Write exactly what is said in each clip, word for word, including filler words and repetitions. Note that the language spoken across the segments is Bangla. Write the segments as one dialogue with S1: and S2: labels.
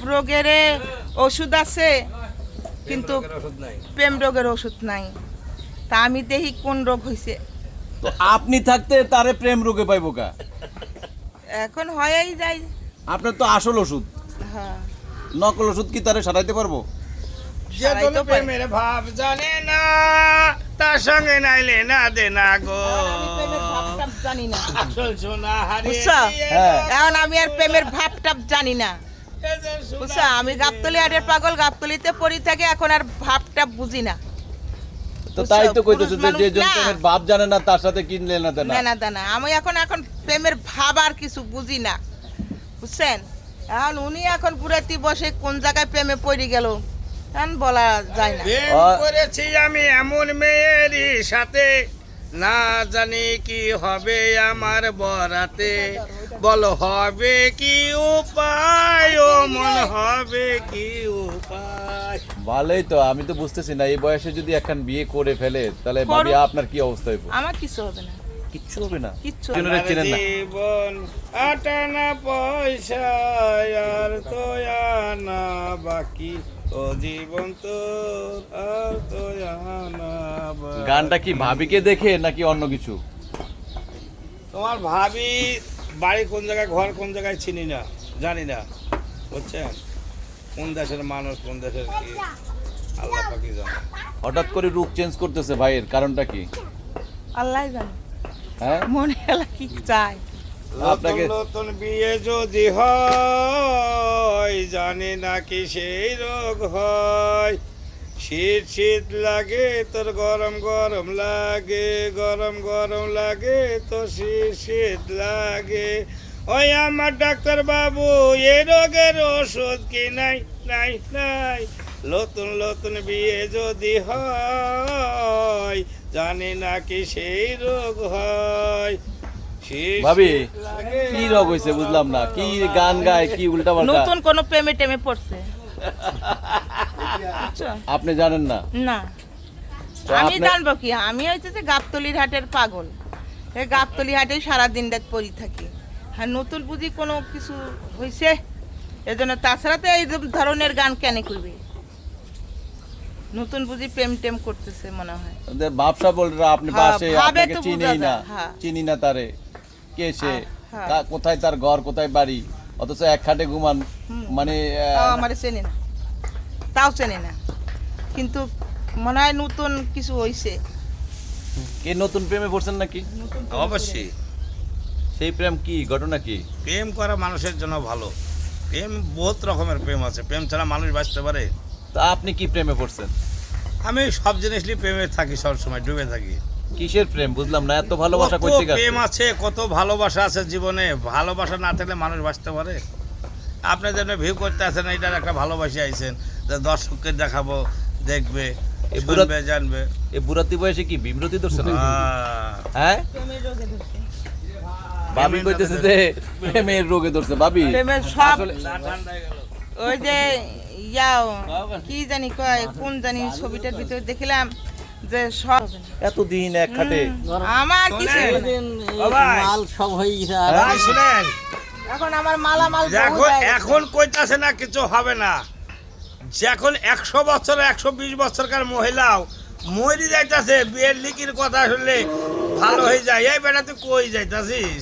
S1: রোগের ওষুধ আছে কিন্তু প্রেম রোগের ওষুধ নাই। তা আমি দেখি কোন রোগ হয়েছে।
S2: তো আপনি থাকতে তারে প্রেম রোগে পাইবো কা?
S1: এখন হয়েই যায়।
S2: আপনার তো আসল ওষুধ,
S1: হ্যাঁ
S2: নকল ওষুধ কি তারে সারাইতে পারবো?
S3: যে তোর প্রেমের ভাব জানে না তার সঙ্গে নাইলে না দে না গো।
S1: আমি প্রেমের ভাবটাপ জানি না।
S3: আসল সোনা হারিয়ে
S1: বুঝছো?
S3: দিয়ে
S2: হ্যাঁ।
S1: এখন আমি আর প্রেমের ভাবটাপ জানি না।
S3: এদের সোনা
S1: বুঝছো? আমি গাবতলি হাটের পাগল, গাবতলিতে পড়ি থাকে, এখন আর ভাবটাপ বুঝি না।
S2: তো তাই তো কইতেছে যে
S1: পুরুষ
S2: যে জন
S1: মানুষ না।
S2: প্রেমের ভাব জানে না তার সাথে কিনলে না দেনা।
S1: না না দানা আমি এখন এখন প্রেমের ভাব আর কিছু বুঝি না, বুঝছেন? এখন উনি এখন পুরাতি বসে কোন জায়গায় প্রেমে পড়ে গেল এখন বলা যায় না।
S3: প্রেম
S2: আ-
S3: করেছি আমি এমন মেয়েরই সাথে, না জানি কি হবে আমার বরাতে। বলো হবে কি উপায়, ও মন হবে কি উপায়।
S2: ভালোই তো, আমি তো বুঝতেছি না এই বয়সে যদি একখান বিয়ে করে ফেলে তাহলে
S1: করুক।
S2: ভাবি আপনার কি অবস্থা হইব?
S1: আমার কিছু হবে না,
S2: কিচ্ছু হবে না।
S1: কিচ্ছু
S2: কেন
S1: হবে
S2: রে,
S1: না।
S2: চেনেন না?
S3: জীবন আটানা পয়সা আর তো আনা বাকি, ও জীবন তো আর তো আনা বাকি।
S2: গানটা কি ভাবিকে দেখে নাকি অন্য কিছু?
S3: তোমার ভাবি বাড়ি কোন জায়গায়, ঘর কোন জায়গায় চিনি না, জানি না, বুঝছেন? কোন দেশের মানুষ, কোন দেশের কি, আল্লাহ পাকি জানে।
S2: হঠাৎ করে রূপ চেঞ্জ করতেছে ভাইয়ের কারণটা কি?
S1: আল্লাহ জানে
S2: হ্যাঁ,
S1: মনে এলা কি চায়।
S3: নতুন
S2: আপনাকে-
S3: নতুন বিয়ে যদি হয়, জানি না কি সেই রোগ হয়। শীত শীত লাগে তোর, গরম গরম লাগে, গরম গরম লাগে তো শীত শীত লাগে। ওই আমার ডাক্তার বাবু, এই রোগের ওষুধ কি নাই? নাই নাই। নতুন নতুন বিয়ে যদি হয়, জানি না কি সেই রোগ হয়। শীত
S2: ভাবি
S3: শীত লাগে।
S2: কি রোগ হয়েছে বুঝলাম না, কি গান গায়, কি উল্টা পাল্টা
S1: নতুন কোন প্রেমে টেমে পড়ছে? বুঝছো?
S2: আপনি জানেন না?
S1: না
S2: তো
S1: আমি
S2: আপনি-
S1: জানবো কি? আমি হচ্ছে যে গাবতলির হাটের পাগল, এই গাবতলি হাটে সারাদিন রাত পড়ি থাকি। হ্যাঁ, নতুন বুঝি কোনো কিছু হয়েছে এজন্য? তাছাড়া তো এই ধরনের গান কেন করবে? নতুন বুঝি প্রেম টেম করতেছে মনে হয়।
S2: ওদের ব্যবসা বলরা আপনি
S1: হ্যাঁ,
S2: পাশে,
S1: ভাবে
S2: আপনাকে
S1: তো
S2: চিনেই
S1: বোঝা
S2: না,
S1: যায়, হ্যাঁ।
S2: চিনি না তারে, কে সে,
S1: হ্যাঁ।
S2: কা- কোথায় তার ঘর, কোথায় বাড়ি, অথচ এক খাটে ঘুমান।
S1: হুম।
S2: মানে
S1: তাও
S2: আহ,
S1: আমার চেনে না, তাও চেনে না, কিন্তু মনে হয় নতুন কিছু হয়েছে।
S2: কে নতুন প্রেমে পড়ছেন নাকি?
S3: অবশ্যই
S2: সেই প্রেম কি, ঘটনা কি?
S3: প্রেম করা মানুষের জন্য ভালো। প্রেম বহুত রকমের প্রেম আছে, প্রেম ছাড়া মানুষ বাঁচতে পারে?
S2: তা আপনি কি প্রেমে পড়ছেন?
S3: আমি সব জিনিস নিয়ে প্রেমে থাকি, সব সময় ডুবে থাকি।
S2: কিসের প্রেম বুঝলাম না, এত ভালোবাসা
S3: কত
S2: করতে গেছে?
S3: প্রেম আছে, কত ভালোবাসা আছে জীবনে। ভালোবাসা না থাকলে মানুষ বাঁচতে পারে? আপনি যেন ভিউ করতে আসেন, এটার একটা ভালোবাসি আইছেন যে দর্শককে দেখাবো, দেখবে,
S2: এ বুড়া-
S3: শুনবে, জানবে।
S2: এই বুড়াতি বয়সে কি বিমরতি ধরছে নাকি?
S3: আহ,
S2: হ্যাঁ,
S1: প্রেমের রোগে ধরছে।
S2: ভাবি কইতেছে যে প্রেমের রোগে ধরছে। ভাবি
S1: প্রেমের সব
S2: আসলে
S3: না ঠান্ডা হয়ে গেল।
S1: ওই যে ইয়াও কি জানি কয়, কোন জানি ছবিটার ভিতরে দেখলাম যে সব হবে না।
S2: এতদিন এক খাটে
S1: আমার কিছু হবে না।
S3: ও ভাই,
S4: মাল সব হয়ে গেছে। আর
S3: ভাই শুনেন,
S1: এখন আমার মালামাল বহু
S3: এখন
S1: হয়ে গেছে।
S3: এখন কইতাছে না কিছু হবে না। যখন একশো বছর একশো বিশ বছরকার মহিলাও মরি যাইতাছে, বিয়ের লিখির কথা শুনলে ভালো হয়ে যায়। এই বেটা তুই কই যাইতাছিস?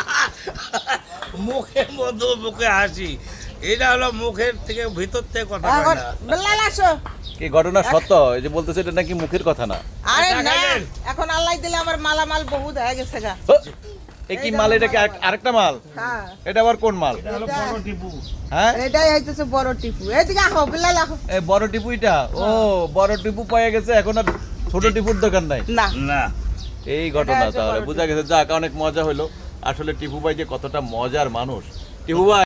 S3: মুখে মধু, মুখে হাসি, এটা হলো মুখের থেকে ভিতর থেকে কথা কয়
S1: এখন
S3: না।
S1: বেলাল আসো।
S2: কি ঘটনা সত্য? এই যে বলতেছে এটা নাকি মুখের কথা না।
S1: আরে
S3: টাকা
S1: না,
S3: দেন।
S1: এখন আল্লাহ দিলে আমার মালামাল বহু হয়ে গেছে গা।
S2: ও, এ কি মাল? এটা কি আরেক- আরেকটা মাল?
S1: হ্যাঁ,
S2: এটা আবার কোন মাল?
S3: এটা হলো বড় টিপু।
S1: হ্যাঁ, এটাই হইতেছে বড় টিপু। এইদিকে আহো, বেলাল আহো।
S2: এই বড় টিপু এটা? ও, বড় টিপু পাওয়া গেছে, এখন আর ছোট টিপুর দোকান নাই।
S1: না
S3: না,
S2: এই ঘটনা
S1: এটা হচ্ছে
S2: তাহলে
S1: বড়
S2: বোঝা গেছে। যাক, অনেক মজা হলো আসলে। টিপু ভাই যে কতটা মজার মানুষ। টিপু ভাই